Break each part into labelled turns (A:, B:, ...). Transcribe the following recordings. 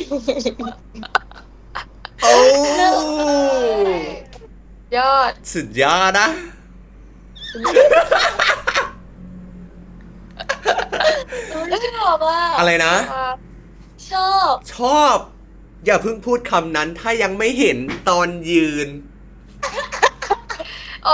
A: โอ้
B: ยอด
A: สุดยอดนะ
C: ชอบอ่ะ
A: อะไรนะ
C: ชอบ
A: ชอบ อย่าเพิ่งพูดคำนั้นถ้ายังไม่เห็นตอนยืน
B: โอ้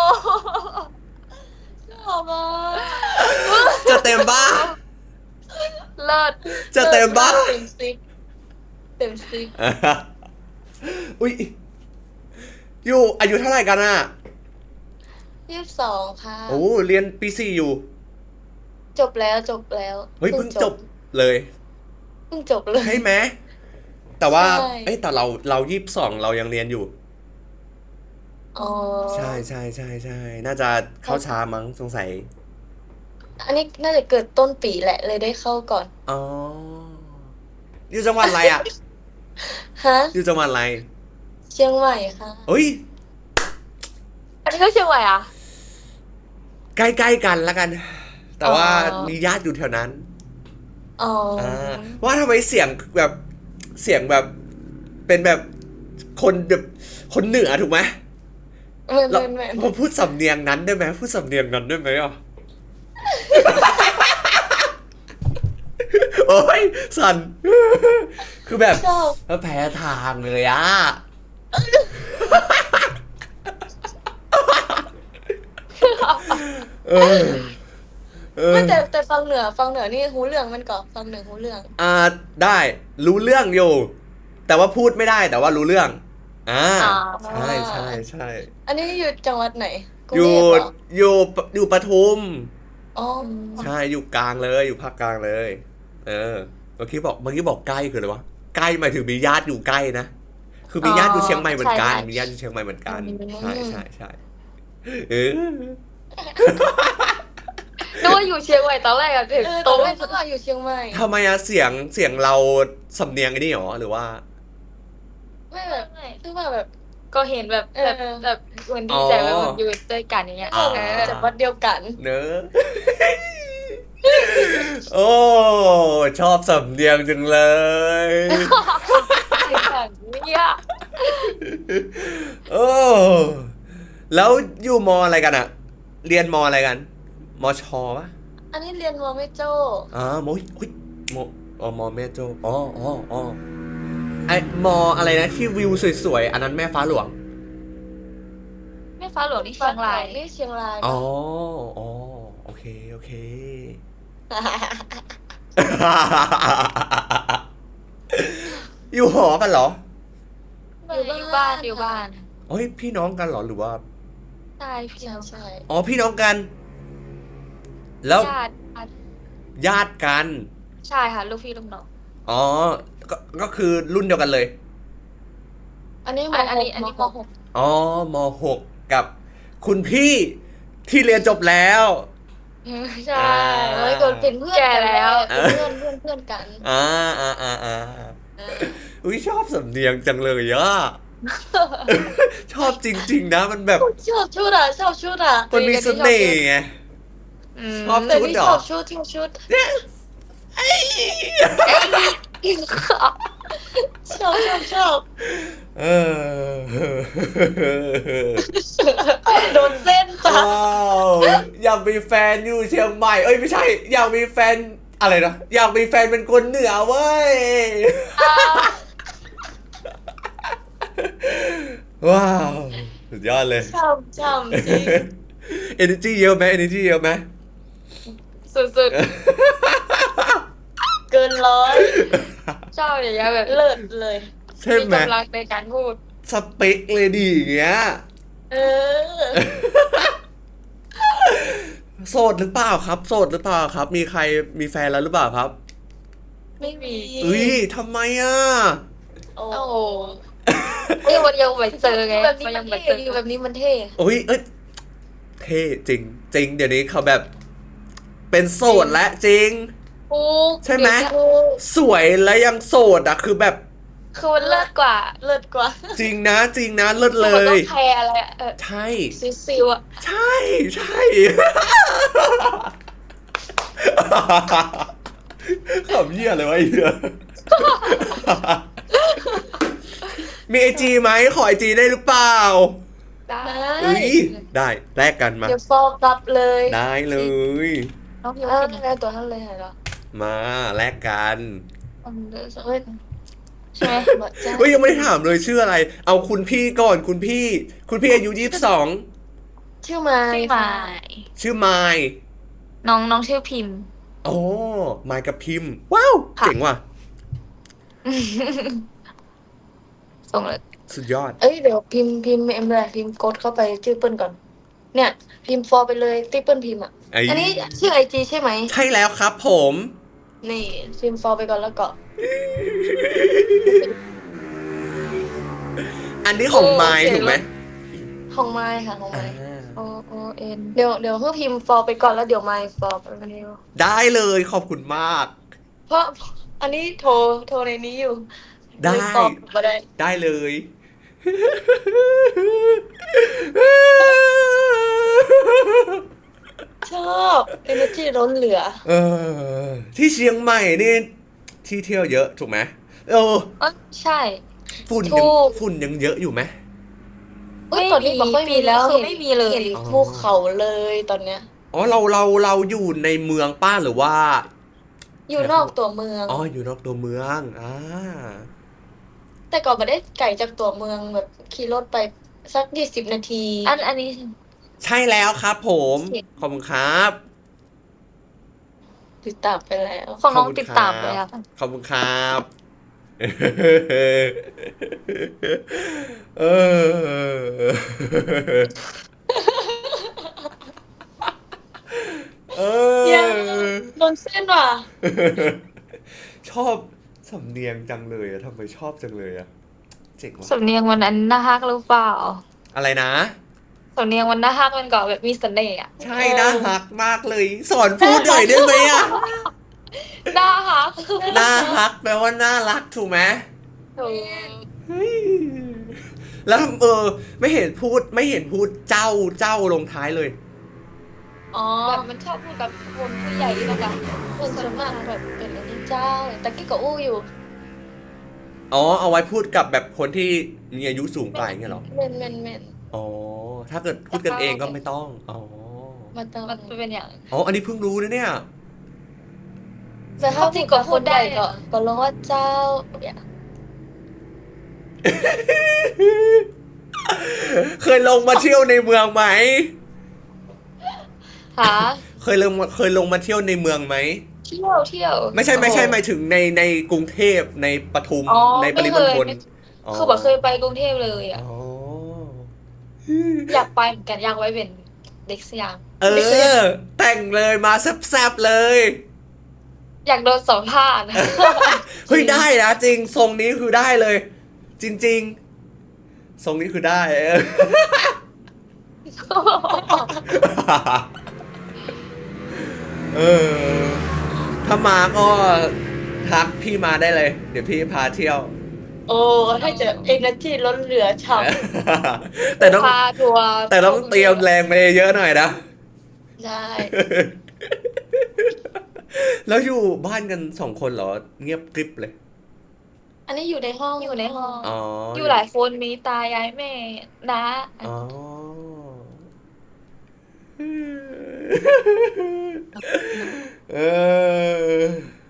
C: ชอบอ่ะ
A: จะเต็มบ้า
B: เลิศ
A: จะเต็มบ้า
C: เต็มซิปเต็มซิป
A: อุ้ยอยู่อายุเท่าไหร่กันอ่ะ
C: 22ค่ะ
A: โอ้เรียนปีสี่อยู่
C: จบแล้ว
A: เฮ้ยเพิ่งจบเลย
C: เพิ่งจบเลย
A: ใช่ไหมแต่ว่า
C: ใช่
A: เอ้ยแต่เรา22เรายังเรียนอยู่
C: อ๋อ
A: ใช่น่าจะเข้าช้ามั้งสงสัย
C: อันนี้น่าจะเกิดต้นปีแหละเลยได้เข้าก่อน
A: อ๋ออยู่จังหวัดอะไรอ่ะ
C: ฮะ
A: อยู่จังหวัดอะไร
C: เชียงใหม่ค่ะ
A: เฮ้ย
B: อันนี้ก็เชียงใหม่อ่ะ
A: ใกล้ๆกันแล้วกัน แต่ว่า
C: อ๋อ
A: มีญาติอยู่แถวนั้น
C: อ๋อ
A: ว่าทำไมเสียงแบบเป็นแบบคนแบบคนเหนือถูกไหม เรา
C: ไม่
A: พอพูดสำเนียงนั้นได้ไหมพูดสำเนียงนั้นได้ไหมอ่ะ โอ้ยสัน คือแบบ
C: ชอบ
A: แพ้ทางเลยอ่ะ เออ
C: ไม่แต่ฟังเหนือนี่หูเรื่องมันก่อนฟังเหนือหูเรื่อง
A: ได้รู้เรื่องอยู่ แต่ว่าพูดไม่ได้แต่ว่ารู้เรื่อง ใช่
C: อันนี้อยู่จังหวัดไหนกรุง
A: อยู่
C: เทพเหรอ
A: อยู่ปทุม
C: อ๋อ
A: ใช่อยู่กลางเลยอยู่ภาคกลางเลย เมื่อกี้บอกใกล้คืออะไรวะใกล้หมายถึงมีญาติอยู่ใกล้นะคือมีญาติอยู่เชียงใหม่เหมือนกันมีญาติอยู่เชียงใหม่เหมือนกันใช่เออ
B: นึกว่าอยู่เชียงใหม่ตอนแรกอะถึง
C: ต
B: ต
C: อ
B: ร
C: น
B: ง
C: แรกนึกว่าอยู่เชียงใหม่
A: ทำไมอะเสียงเราสำเนียงไอ้นี่หรอหรือว่า
C: ไม่แบบคือว่าแบบ
B: ก็เห็นแบบเหมือนดีใจแบบมันอยู่ด้วยกันอย่างเงี้ย
A: อ๋อ
C: จากวัดเดียวกัน
A: เนอะ โอ้ชอบสำเนียงจังเลย
B: เนี่ย
A: โอ้แล้วอยู่มอะไรกันอะเรียนมอะไรกันมชปะ
C: อันนี้เรียนมอไม่โจ้
A: มอุ๊ยมแม่โจ้ไอมอะไรนะที่วิวสวยๆอันนั้นแม่ฟ้าหลวง
B: แม่ฟ้าหลวงนี่เชียงราย
C: นี่เชียงราย
A: อ๋อโอเค อยู่หอกันเหรอ
B: อยู่บ้าน
A: เฮ้ยพี่น้องกันเหรอหรือว่า
B: ใช่พี่น้อง
C: ใช่
A: อ๋อพี่น้องกัน แล้ว
B: ญาติ
A: ญาติกัน
B: ใช่ค่ะลูกพี่ลูกน้อง
A: อ๋อก็คือรุ่นเดียวกันเลย
C: อันนี้
B: อันนี้ม .6
A: อ๋อมหกกับคุณพี่ที่เรียนจบแล้ว
B: ใช่
C: เฮ้ยกดเป็นเพื่อน
B: แก่
C: กัน
B: แล้ว
C: เป็นเพื่อนกัน
A: อุ้ยชอบสำเนียงจังเลยอ่ะ ชอบจริงๆนะมันแบบ
C: ชอบชุดอ่ะ
A: มันมีเสน่ห์ไง ชอบ
C: แต่
A: ชุด
C: นี่
A: เหร
C: ช
A: อ
C: อบชุดชอบ
A: เออ
C: โดนเส้นจ้ะ
A: ว้าวอยากมีแฟนอยู่เชียงใหม่เอ้ยไม่ใช่ อยากมีแฟนอะไรนะอยากมีแฟนเป็นคนเหนือเว้ย ว้าวสุดยอดเลย
C: ชอบจริง
A: energy เยอะไหม energy เยอะไหม
B: สุด
C: เกินร้อย
B: ๆชอบอย่างเงี้ยแบบ
C: เลิศเลย
A: ใช่
B: มี
A: ไหม
B: กำลังในการพูด
A: สเปคเลยดีอย่างเงี้ย
C: เออ
A: โสดหรือเปล่าครับ โสดหรือเปล่าครับ มีใครมีแฟนแล้วหรือเปล่าครับ
C: ไม่มี
A: อุ้ยทำไมอ่ะ
C: โอ้
B: โอ้โหมันยังไม่เจอไง
C: แบบนี้
B: มัน
C: มั
B: ยั
C: น
B: งไม่
C: เท่
B: เจอ
C: อยู่แบบนี้มันเท่
A: อุ้ยเอ้ยเท่จริงจริงเดี๋ยวนี้เขาแบบ เป็นโสดและจริง
B: ปุ๊ก
A: ใช่ไหม
B: เดี๋ยว
C: โอ้
A: สวยและยังโสดอ่ะคือแบบ
B: คือมันเลิศกว่า
C: เลิศกว่า
A: จริงนะเลิศเล
B: มันต้อย งแคร์อะไร
A: ใช่
B: ซิวๆอะ
A: ใช่ขำเหี้ยเลยวะไอ้เหี้ยมีไอจีไหมขอไอจีได้หรือเปล่า
B: ได้
A: อุ้ยได้แลกกันมา
C: เดี๋ยวฟอกกลับเลย
A: ได้เลย
B: น้องพิม
C: อ้าว
B: พ์
C: แล้วตัวนั้นเลยเหรอ
A: มาแลกกัน
C: เฮ้ย
B: ใช่ไหม
C: บอกจ้า
A: เฮ้ยยังไม่ได้ถามเลยชื่ออะไร เอาคุณพี่ก่อนคุณพี่อายุ22
C: ชื่อไม้
B: ชื่อหมาย
A: ชื่อไมค์
B: น้องชื่อพิมพ์
A: โอ้ไมค์กับพิมพ์ ว้าว
B: ค่ะ
A: เจ๋งว่ะ
B: ส่งเลย
A: สุดยอด
C: เอ้ยเดี๋ยวพิมพ์เอ็มเลยพิมพ์กดเข้าไปชื่อเปิ้ลก่อน เนี่ย พิมพ์ฟอร์ไปเลยที่เปิ้ลพิมพ์อ่ะ
A: ไอ้
C: อันนี้ชื่อไอจีใช่ไหม
A: ใช่แล้วครับผม
C: นี่พิมพ์ฟอร์ไปก่อนแล้วก็
A: อันนี้ของไมค์ถูกไหม
C: ของไม้ค่ะของ
A: อ่า
C: ไม้
B: OON
C: เดี๋ยวเพิ่งพิมพ์ฟอร์ไปก่อนแล้วเดี๋ยวไม้ฟอร์ไปเร็ว
A: ได้เลยขอบคุณมาก
C: เพราะอันนี้โทรในนี้อยู่
A: ได้
C: เลยฟอร์มาได้
A: ได้เลย
C: ชอบเอเนจีล้นเหลือ
A: เออ ที่เชียงใหม่นี่ที่เที่ยวเยอะถูกไหมเออ
B: ใช่
C: ถูก
A: ฝุ่นยังเยอะอยู่ไหม
C: เอ้ยตอนนี้บอกไม่มีแล้ว
B: คือไม่มีเลย
C: เห็นภูเขาเลยตอนเนี้ย
A: อ๋อเราอยู่ในเมืองป้าหรือว่า
C: อยู่นอกตัวเมือง
A: อ๋ออยู่นอกตัวเมือง
C: แต่ก่อนไม่ได้ไกลจากตัวเมืองแบบขี่รถไปสัก20 นาที
B: อันนี้
A: ใช่แล้วครับผม
B: เสียง
A: ขอบคุณครับ
C: ติดตามไปแล้ว
B: ของน้อง
A: ขอบคุณ
B: ติดตาม
A: ครับ
B: เลยค่ะ
A: ขอบคุณครับเออเอ
C: เหี้ย
A: อ
C: โดนเส้นว่ะ
A: ชอบสำเนียงจังเลยอะทำไมชอบจังเลยอะเจ๋งว่ะ
B: สำเนียงวันนั้นน่าฮักหรือเปล่า
A: อะไรนะ
B: สำเนียงวันน่าฮักมันก็แบบมีเสน่ห์อะ
A: ใช่น่าฮักมากเลย สอนพูดหน่อยได้ไหมอะ
B: น่าฮัก
A: น่าฮักแปลว่าน่ารักถูกไหม
B: ถูก
A: เฮ้ยแล้วไม่เห็นพูดเจ้าลงท้ายเลย
C: อ๋อ
B: แบบมันชอบพูดกับคนผู้ใหญ่แล้วกัน
C: คนส่วนมากแบบเป็นอันนี้เจ้าแต่กี้ก็อู้อยู่
A: อ๋อ เอาไว้พูดกับแบบคนที่มีอายุสูงกว่าอย่างเงี้ยเหรอ
C: เมน
A: อ๋อ ถ้าเกิดพูดกันเองก็ไม่ต้อง อ๋อ
C: มาเติม
B: มันเป็นอย่าง
A: อ๋อ อันนี้เพิ่งรู้นะเนี่ย
C: แต่ถ้าพูดกับคนใหญ่ก็ร้องว่าเจ้าเนี่ย
A: เคยลงมาเที่ยวในเมืองไหม
B: หา
A: เคยลงมาเที่ยวในเมืองไหม
B: เที่ยว
A: ไม่ใช่หมายถึงในกรุงเทพในปทุม
B: อ๋อ
A: ในปริมณฑล
B: คือแบบเคยไปกรุงเทพเลยอ่ะ
A: อ๋อ
B: อยากไปเหมือนกันอยากไว้เป็นเด็กสยาม
A: เออ แต่งเลยมาแซบๆเลย
B: อยากโดนสัมภาษณ์
A: เฮ้ยได้นะจริงทรงนี้คือได้เลย จริงๆทรงนี้คือได้เออถ้ามาก็ทักพี่มาได้เลย เดี๋ยวพี่พาเที่ยว
C: โอ้ถ้าจะเอเนจีล้นเหลือฉ่
A: แต่ต้อง
B: พาทัวร์
A: แต่ต้องเตรียมแรงไปเยอะหน่อยนะ
C: ำใช่
A: แล้วอยู่บ้านกัน2 คนเหรอ เงียบกริบเลย
C: อันนี้อยู่ในห้อง
B: อยู่ในห้อง
A: อ๋อ
B: อ
A: อยู่
B: หลายคนมีตายายแม่น้า
A: อ๋อ เออ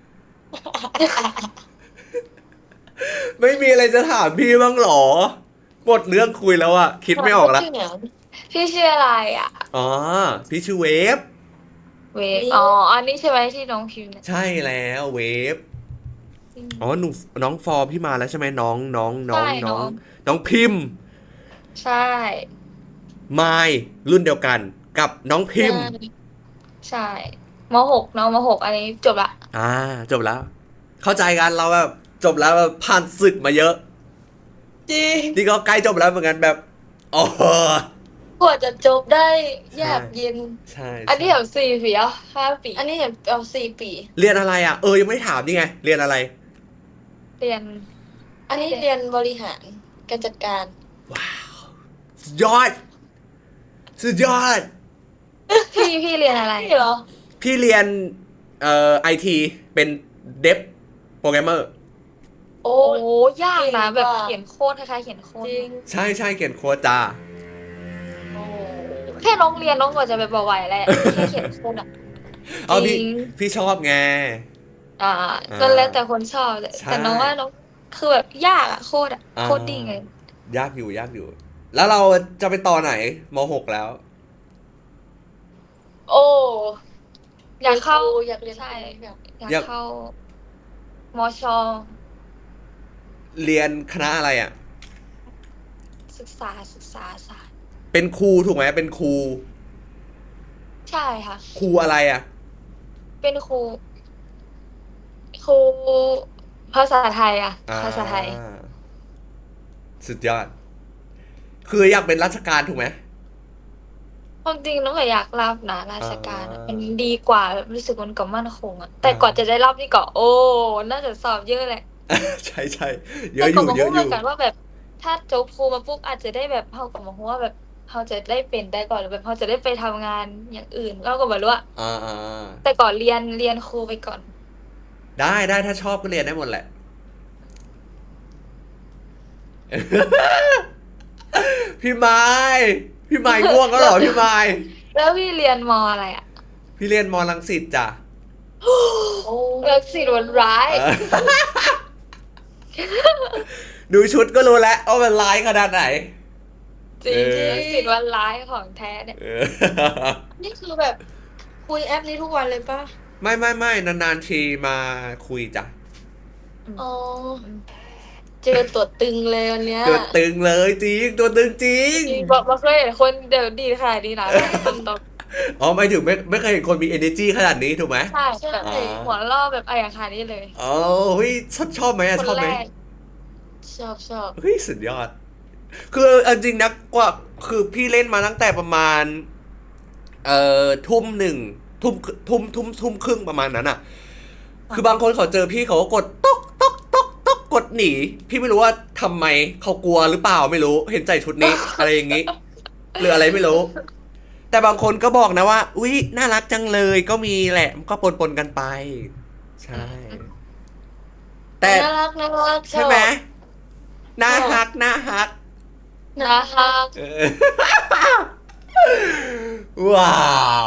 A: ไม่มีอะไรจะถามพี่บ้างเหรอ หมดเรื่องคุยแล้วอะคิดไม่ออกละ
C: ชื่เนี่ย
B: พี่ชื่ออะไรอ่ะ
A: อ๋อ พี่ชื่อเวฟ
B: เวฟอ๋ออันนี้ใช่ไหมที่น้องพิมพ์เนี่ย
A: ใช่แล้วเวฟ อ๋อน้องฟอร์พี่มาแล้วใช่ไหมน้องพิมพ์
B: ใช่
A: ไมล์รุ่นเดียวกันกับน้องพิมพ์
B: ใช่ม .6 น้องม .6 อันนี้จบละ
A: จบแล้ว เข้าใจกันเราแบบจบแล้วแบบผ่านศึกมาเยอะ
C: จริง
A: นี่ก็ใกล้จบแล้วเหมือนกันแบบอ๋อก
C: ว่าจะจบได้ยากเย็น
A: ใช่
B: อันนี้แบบ4 ปีอ่ะ5 ปี
C: อันนี้เอา4 ปี
A: เรียนอะไรอ่ะยังไม่ได้ถามนี่ไงเรียนอะไร
B: เรียน
C: อันนี้เรียนบริหารการจัดการ
A: สุดยอดสุดยอด
B: พี่เรียนอะไร
C: นี่เหรอ
A: พี่เรียนไอทีเป็นเดฟโปรแกรมเมอร์
C: โอ้
B: โอ้ยากนะ
C: เก่ง
B: แบบ
C: ว่ะ
B: เขียนโค้ดคล้ายๆเขียนโค้ด
C: จริง
A: ใช่ใช่เขียนโค้ดจ้า
C: โอ้
B: แค่น้องเรียนน้องก็จะแบบไหวแหละแค่เขียนโค้ดอ่ะ
A: เอา
B: จริ
A: พี่
B: ง
A: ชอบไง
B: อ่า
A: อ่า
B: ก็แล้วแต่คนชอบแหละ
A: ใช่
B: แต่น้องว่าน้องคือแบบยากอะโคตรอะ
A: อ่า
B: โคตรดิ้งเลย
A: ยากอยู่ยากอยู่ แล้วเราจะไปต่อไหนม .6 แล้ว
C: โอ้
B: อยากเข้า
C: อยากเรียน
B: ใช่
C: อยาก
B: อยาก
A: อยาก
B: เข้ามช
A: เรียนคณะอะไรอ่ะ
B: ศึกษาศาสตร์
A: เป็นครูถูกไหมเป็นครู
B: ใช่ค่ะ
A: ครูอะไรอ่ะ
B: เป็นครูภาษาไทยอะภาษาไทย
A: อ่าสุดยอด คืออยากเป็นราชการถูกไหม
B: ความจริงน้องก็อยากรับนะราชการอะ
A: อ่ามั
B: มันดีกว่าแบบรู้สึกมันก็มั่นคงอะแต่กว่าจะได้รับนี่ก็โอ้น่าจะสอบเยอะแหละ
A: ใช่ใช่เยอะ
B: แต่
A: อ
B: ก็
A: ยู่
B: มา
A: เยอะ
B: พูด
A: อ
B: เหมื
A: ยู่
B: อนกันว่าแบบ ถ้าจบครูมาปุ๊บอาจจะได้แบบเขาก็มาพูดว่าแบบเขาจะได้เป็นได้ก่อนหรือแบบเขาจะได้ไปทำงานอย่างอื่นเราก็ไม่รู้อะ
A: อ่า
B: แต่ก่อนเรียนครูไปก่อน
A: ได้ถ้าชอบก็เรียนได้หมดแหละ พี่ไม้พี่ไม้ง่วงก็เหรอพี่ไม้
B: แล้วพี่เรียนมอะไรอะ
A: พี่เรียนมรังสิตจ้ะ
C: โอ้
B: รักสิตวันร้าย
A: เออ ดูชุดก็รู้แล้วว่ามันร้ายขนาดไหน
B: จริง
A: เออ
B: รักสิตวันร้ายของแท้เนี่ย
A: เออ
C: นี่คือแบบคุยแอปนี้ทุกวันเลยป่ะ
A: ไม่นานๆทีมาคุยจ้ะ
C: อ๋อ เจอตัวตึงเลยวันเนี้ย
A: ตัวตึงเลยจริงตัวตึงจริง
B: จริงบอกมาเคยเห็นคนเดี๋ยวดีค่ะดีนะคนตก
A: อ๋อไม่ถึงไม่เคยเห็นคนมี energy ขนาดนี้ถูกไหม
B: ใช่แบบ
A: อ๋อ
B: หัวล่อแบบไอ้อย่างคานี้เลย
A: อ๋อเฮ้ยชอบไหมอะ
B: คน
A: ชอบไห
B: แร
A: ม
B: ก
C: ชอบชอบ
A: เฮ้ยสุดยอด คือเอาจริงนะกว่าคือพี่เล่นมาตั้งแต่ประมาณ ทุ่มหนึ่งทุ่มครึ่งประมาณนั้นอ่ะ คือบางคนเขาเจอพี่เขาก็กดต๊อกกดหนี พี่ไม่รู้ว่าทำไมเขากลัวหรือเปล่าไม่รู้ เห็นใจชุดนี้ อะไรอย่างงี้ หรืออะไรไม่รู้ แต่บางคนก็บอกนะว่า อุ๊ยน่ารักจังเลยก็มีแหละมันก็ปนกันไป ใช่ แต่
C: น่ารักน่ารัก
A: ใช่ไหมน่าฮัก
B: นะคะ
A: เออ ว้าว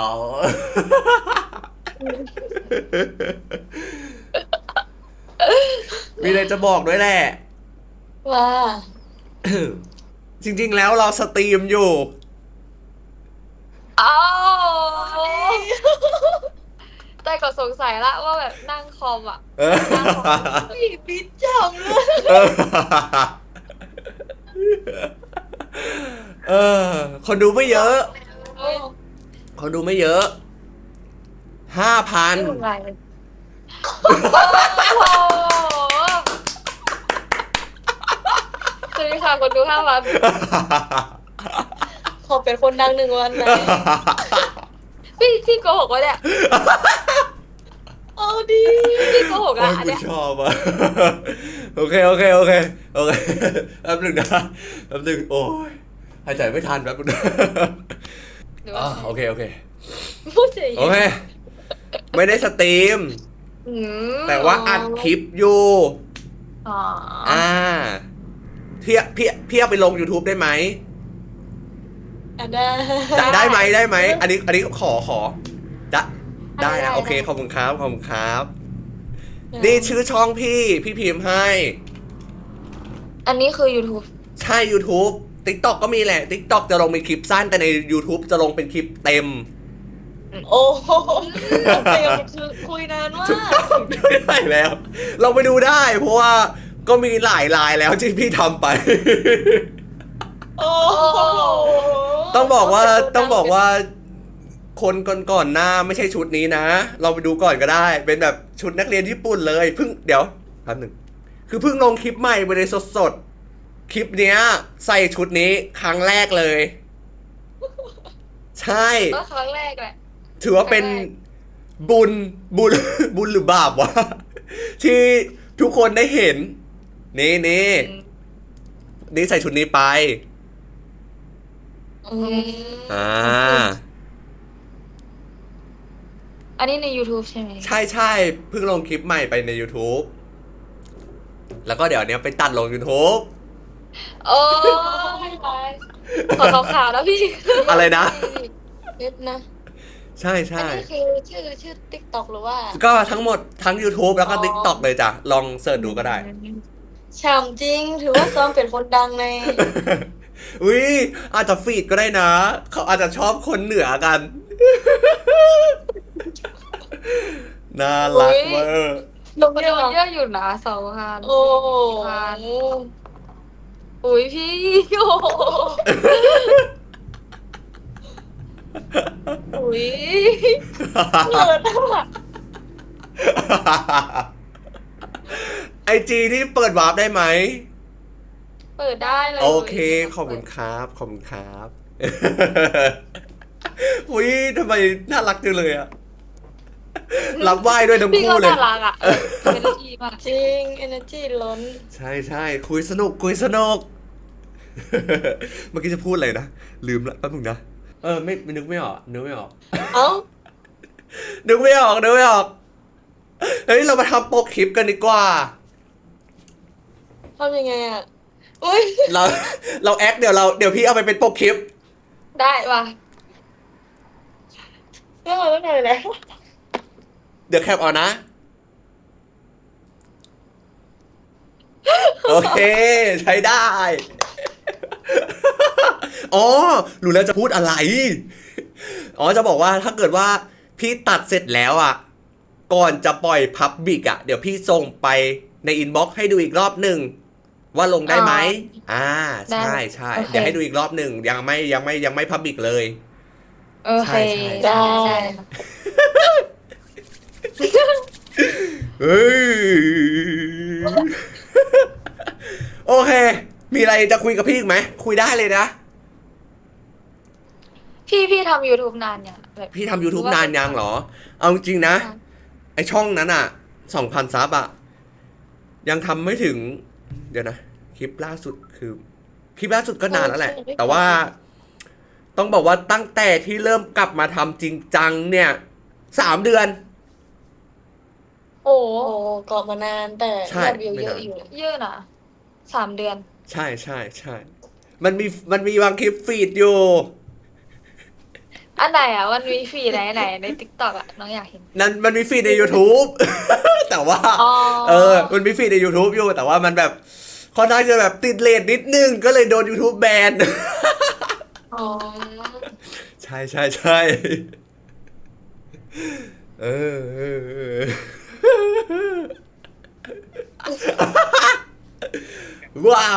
A: มีอะไรจะบอกด้วยแหละ
C: ว่า
A: จริงๆแล้วเราสตรีมอยู่
B: อ้าวแต่ก็สงสัยละว่าแบบนั่งคอมอ่ะ
A: เออ
C: พี่ปิดจังเลย
A: เออ คนดูไม่เยอะ
B: เฮ้ย
A: คนดูไม่เยอะ 5,000
B: นี่มันอะไรโอ้โหสวัสดีค่ะคนดู5,000
C: ขอเป็นคนดังหนึ่งวันไหน
B: พี่โกหกวะเนี่ย
C: เอาดี
B: พี่โกหก
A: โอ้
B: อ่ะ
A: ย
B: อัน
A: กู
B: เนี้ย
A: ชอบอ่ะ โอเคแป๊บหนึงนะแป๊บหนึงโอ้ยหายใจไม่ทันแป๊บหนึงนะ
B: หรือ
A: อ่า
B: ว่า
A: โอเค
C: พูดเฉย
A: โอเค ไม่ได้สตรีม
B: อืม
A: แต่ว่าอัดคลิปอยู่
B: อ๋อ
A: พี่เอาไปลง YouTube ได้ไหม
C: อ่ะได้
A: ได้ไหม อันนี้ขอได้นะโอเคขอบคุณครับนี่ชื่อช่องพี่พิมพ์ให้
B: อันนี้คือ YouTube
A: ใช่ YouTube TikTok ก็มีแหละ TikTok จะลงเป็นคลิปสั้นแต่ใน YouTube จะลงเป็นคลิปเต็ม
C: โอ้โหเต็มคือคุยนานมาก
A: ไม่ได้แล้ว เราไปดูได้ เพราะว่าก็มีหลายลายแล้วที่พี่ทำไป
C: โอ้โห
A: ต้องบอกว่าคนก่อนหน้าไม่ใช่ชุดนี้นะ เราไปดูก่อนก็ได้ เป็นแบบชุดนักเรียนญี่ปุ่นเลยเพิ่งเดี๋ยวแป๊บหนึ่งคือเพิ่งลงคลิปใหม่ไปเลยสดๆคลิปเนี้ย ใส่ชุดนี้ครั้งแรกเลย ใช่
B: ก็ครั้งแรกแหละ
A: ถือว่าเป็นบุญ บุญหรือบาปวะ ที่ทุกคนได้เห็น นี่ใส่ชุดนี้ไป
C: อืม
A: อ่า
B: อันนี้ใน YouTube ใช่ไหม
A: ใช่ใช่เพิ่งลงคลิปใหม่ไปใน YouTube แล้วก็เดี๋ยวเนี้ยไปตัดลง YouTube
B: โอ้ยขอขาวๆนะพี่
A: อะไรนะ
C: เน็ตนะ
A: ใช่
C: อัน
A: ใช่
C: นี้คือชื่อ TikTok หรือว่า
A: ก็ทั้งหมดทั้ง YouTube แล้วก็
C: อ๋อ
A: TikTok เลยจ้ะ ลองเสิร์ชดูก็ได้
C: ฉ่ำจริง ถือว่าซ้อมเป็นคนดังใน
A: อุ้ยอาจจะฟีดก็ได้นะ เขาอาจจะชอบคนเหนือกัน น่ารักเวอร์
C: ลง
B: มัน
C: เย
B: โด
C: อะ
B: นเยอะอยู่นะ2,000
C: โอ้โห
B: อุ้ยพี่โอ้โห
C: อุ้ยเปิดอ่ะ
A: ไอจีนี่เปิดวาร์ปได้ไหม
B: เปิดได้เลย
A: โอเค ขอบคุณครับ ขอบคุณครับ อุ้ยทำไมน่ารักจังเลยอะรับไหว้ด้วยทั้ง
B: พี่
A: คู่
B: ก็
A: เลย
B: น่ารักอ่ะเป็นดีมาก
C: จริง energy ล้น
A: ใช่ใช่คุยสนุกคุยสนุก เมื่อกี้จะพูดอะไรนะ ลืมละแป๊บนึงนะ ไม่นึกไม่ออก นึกไม่ออก
C: เอ้า
A: นึกไม่ออก นึกไม่ออก เฮ้ย เรามาทำโปรคลิปกันดีกว่า
C: ทำยังไงอ่ะ อุ้ย
A: เราแอคเดี๋ยวพี่เอาไปเป็นโปรคลิป
B: ได้ว่ะ
C: เรื่องอะไรแล้ว
A: เดี๋ยวแคปเอานะ โอเค ใช้ได้ อ๋อ รู้แล้วจะพูดอะไร อ๋อ จะบอกว่าถ้าเกิดว่าพี่ตัดเสร็จแล้วอ่ะ ก่อนจะปล่อยพับบิกอ่ะ เดี๋ยวพี่ส่งไปในอินบ็อกซ์ให้ดูอีกรอบหนึ่งว่าลงได้ไหมใช่ใช่
B: โอเค
A: เดี๋ยวให้ดูอีกรอบหนึ่งยังไม่พับบิกเลย
B: โอเค
A: ใช่
C: ได้
A: เฮ้ย โอเค มีอะไรจะคุยกับพี่อีกไหม คุยได้เลยนะ
B: พี่ทำ YouTube นานยังแบบ
A: พี่ทำ YouTube นานยังเหรอ เอาจริงๆนะ ไอช่องนั้นอ่ะ 2,000 ซับอ่ะ ยังทำไม่ถึง เดี๋ยวนะ คลิปล่าสุดคือ คลิปล่าสุดก็นานแล้วแหละ แต่ว่า ต้องบอกว่าตั้งแต่ที่เริ่มกลับมาทำจริงจังเนี่ย 3 เดือน
B: โอ้
C: โอ้เกาะมานานแต่
A: ใช่
C: ยอดวิวเยอะอยู่
B: เยอะนะ3 เดือน
A: ใช่ใช่ใช่ มันมีบางคลิปฟีดอยู่
B: อันไหนอ่ะมันมีฟีดไหนใน TikTok อ่ะน้องอยากเห็น
A: นั่นมันมีฟีดใน YouTube แต่ว่า
B: อ๋อ
A: มันมีฟีดใน YouTube อยู่ แต่ว่ามันแบบค่อนข้างจะแบบติดเรทนิดนึง ก็เลยโดน YouTube แบน
C: อ๋อ
A: ใช่ใช่ใช่เออ ว้าว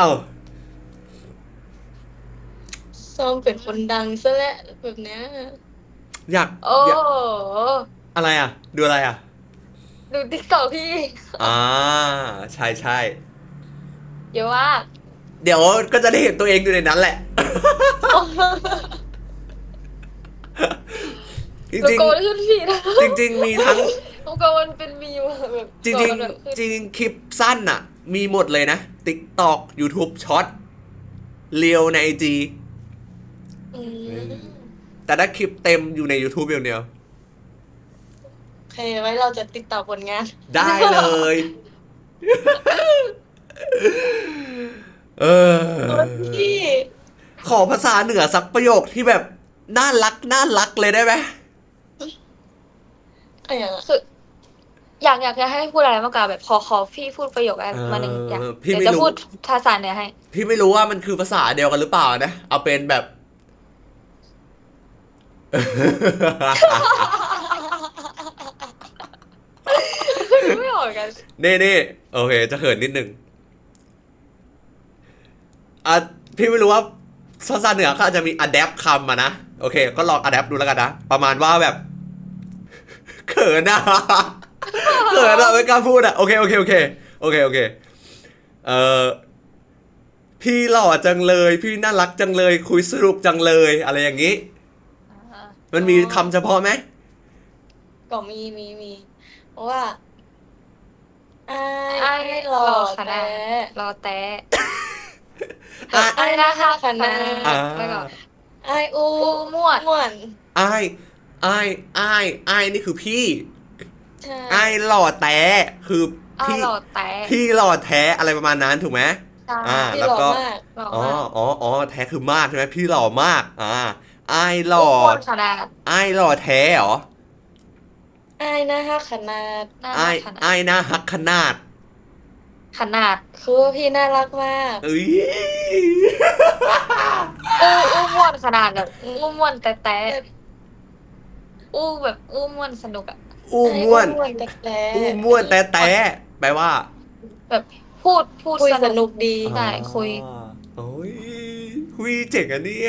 C: ซ้อมเป็นคนดังซะแล้วแบบเนี้ย
A: อยาก
B: โอ้
A: อยากอะไรอ่ะ ดูอะไรอ่ะ
B: ดู TikTok พี่
A: ใช่ใช่
B: เยอะมาก
A: เดี๋ยวก็จะได้เห็นตัวเองอยู่ในนั้นแหละ จ
B: โล
A: ริง
B: โก้ขึ้นฟีด
A: ๆจริง ๆ มีทั้ง
B: โลโก้มันเป็นมีมแบบ
A: จริง
B: ตัวมันแบบ
A: ๆจริงๆคลิปสั้นอ่ะ มีหมดเลยนะ TikTok YouTube Short เรียวใน IG
C: อืม
A: แต่ถ้าคลิปเต็มอยู่ใน YouTube อย่างเดียว
C: โอเคไว้เราจะติดต่อผลงาน
A: ได้เลย เออ
C: พี่
A: ขอภาษาเหนือสักประโยคที่แบบน่ารักเลยได้ไหม
C: อะไรอย่างอะ
B: คืออยากจะให้พูดอะไรมากกว่าแบบขอพี่พูดประโยคอะไรมาหนึ่งอย่าง
A: พี่
B: เดี๋ยว
A: ไม่
B: จะ
A: รู้
B: พูดภาษาเหนือให้
A: พี่ไม่รู้ว่ามันคือภาษาเดียวกันหรือเปล่านะ เอาเป็นแบบ
B: ไม่ออกกัน
A: นี่โอเค จะเขินนิดนึงพี่ไม่รู้ว่าภาษาเหนือเขาอาจจะมี adapt คำมานะ โอเค ก็ลอง adapt ดูแล้วกันนะ ประมาณว่าแบบ เขินอะ เขินอะไม่กล้าพูดอะโอเคพี่หล่อจังเลย พี่น่ารักจังเลย คุยสนุกจังเลย อะไรอย่างนี้ มันมีคำเฉพาะไหม
C: ก็มีเพราะว่าไอ้
B: ไอ้
C: ไอ้
B: ร
C: ร
B: อ
C: อ
B: คณะ
C: แต่
B: รอแต่
C: ไอ้นะคะคณะ
A: อ่า
B: แล้วก็
C: ไอ้อู
B: อูม่วน
C: ม่วน
A: อ้ายอ้ายนี่คือพี่
C: ใช่
A: อ้ายหล่อแต้คือ
B: อ้าย
A: พี่
B: หล่อแต่
A: พี่หล่อแท้อะไรประมาณนั้นถูกไหม
B: ใช่
C: พี่
A: แล้ว
C: หล่อ
A: ก็
C: มาก
B: หล่อ
A: อ๋อ
B: มาก
A: แท้คือมากใช่ไหมพี่หล่อมากอ้ายหล่อ
B: อ้วนขนาด
A: อ้ายหล่อแท้เหรอ
C: อายนะฮะขนาด
B: หน้า
A: อ้าย
B: ขนาด
A: อ้ายหน้าฮักขนาด
B: ขนาด
C: คือว่าพี่น่ารักมาก
A: เอ้ย
B: อู้ม่วนขนาดแบบอู้ม่วนแต่อู้แบบอู้ม่วนสนุกอะ
A: อู้ม่วน
C: อ้วนแต่แต่
A: อู้ม่วนแต่แปลว่า
B: แบบพูด
C: คุย
B: ส
C: ส
B: นุ
C: นุ
B: ก
C: กดี
B: ใช่คุย
A: โอ้ยคุยเจ๋งอะเนี่ย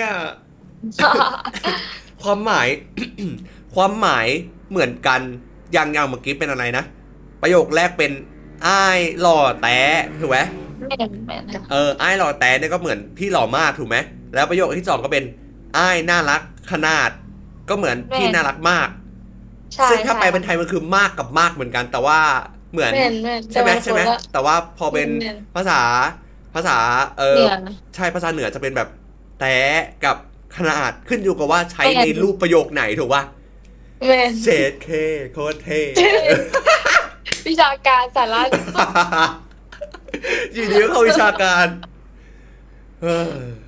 A: ความหมาย ความหมายเหมือนกันอย่างเมื่อกี้เป็นอะไรนะ ประโยคแรกเป็นอ้ายหล่อแต้ถูกไหม
B: แม่นแม่น
A: อ้ายหล่อแต้เนี่ยก็เหมือนพี่หล่อมากถูกไหมแล้วประโยคที่สองก็เป็นอ้ายน่ารักขนาด ก็เหมือนพี่น่ารักมาก
B: ใช่
A: ซึ่งถ้าแปลเป็น
B: ใช่
A: ไทยมันคือมากกับมากเหมือนกัน แต่ว่าเหมือน
C: แม่นแม่น
A: ใช่ไหม
C: แต่ว่า
A: ใช่ไหม
C: คนละ
A: แต่ว่าพอเป็น
C: แม่น
A: ภาษา
B: เหนือ
A: ใช่ภาษาเหนือจะเป็นแบบแต้กับขนาดขึ้นอยู่กับว่าใช้
B: แม่น
A: ในรูปประโยคไหนถูกป่ะ
C: แม่น
A: เชดเคโคตรเท่
C: วิชาการสาระ
A: อยู่ดีก็เข้าวิชาการเฮ้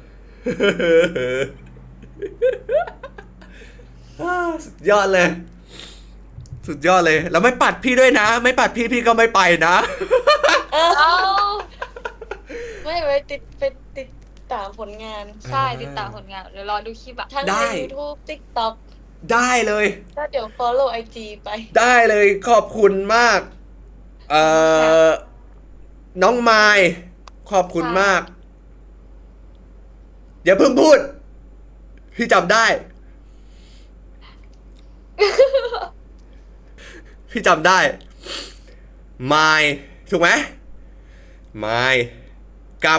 A: อสุดยอดเลย สุดยอดเลย แล้วไม่ปัดพี่ด้วยนะ ไม่ปัดพี่ก็ไม่ไปนะ
C: เอ้า
B: เอ้า
C: ไม่ไว้ติดตามผลงาน
B: ใช่ติดตามผลงานเดี๋ยวรอดูคลิปอะ
C: ทั้ง
A: ได้
C: ใน YouTube TikTok
A: ได้เลย
C: ก็เดี๋ยว follow IG ไป
A: ได้เลยขอบคุณมาก น้องไมค์ขอบคุณมาก อย่าเพิ่งพูด พี่จำได้ พี่จำได้ไมค์ถูกไหมไมค์กับ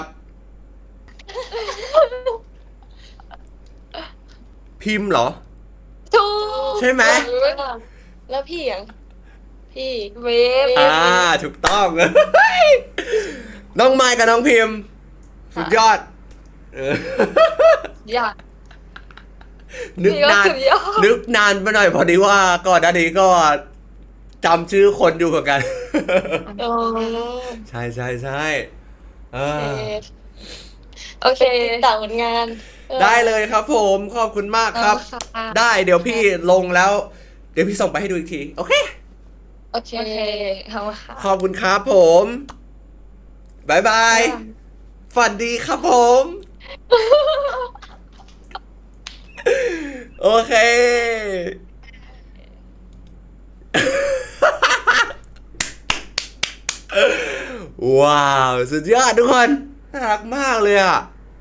A: พิมพ์เหรอ
B: ถูก
A: ใช่ไหม
C: แล้วพี่อย่างพี่
B: เวฟ
A: ถูกต้อง น้องไมค์กับน้องพิมพ์ สุดยอด
B: อยาก
A: นึกนาน
B: สุดยอด
A: นึกนานไปหน่อยพอดีว่าก่อนหน้านี้ก็จำชื่อคนอยู่เหมือนกัน
C: โอ้
A: ใช่เออ
B: โอเค
C: ติดตามผลงาน
A: ได้เลยครับผมขอบคุณมากครับ
B: ค่ะ
A: ได้เดี๋ยวพี่ลงแล้ว เดี๋ยวพี่ส่งไปให้ดูอีกที โอเค
C: โอเค
B: โอเคขอบคุณค่ะ
A: ขอบคุณครับผมบายบายฝันดีครับผม โอเค ว้าว สุดยอดทุกคนน่ารักมากเลยอ่ะ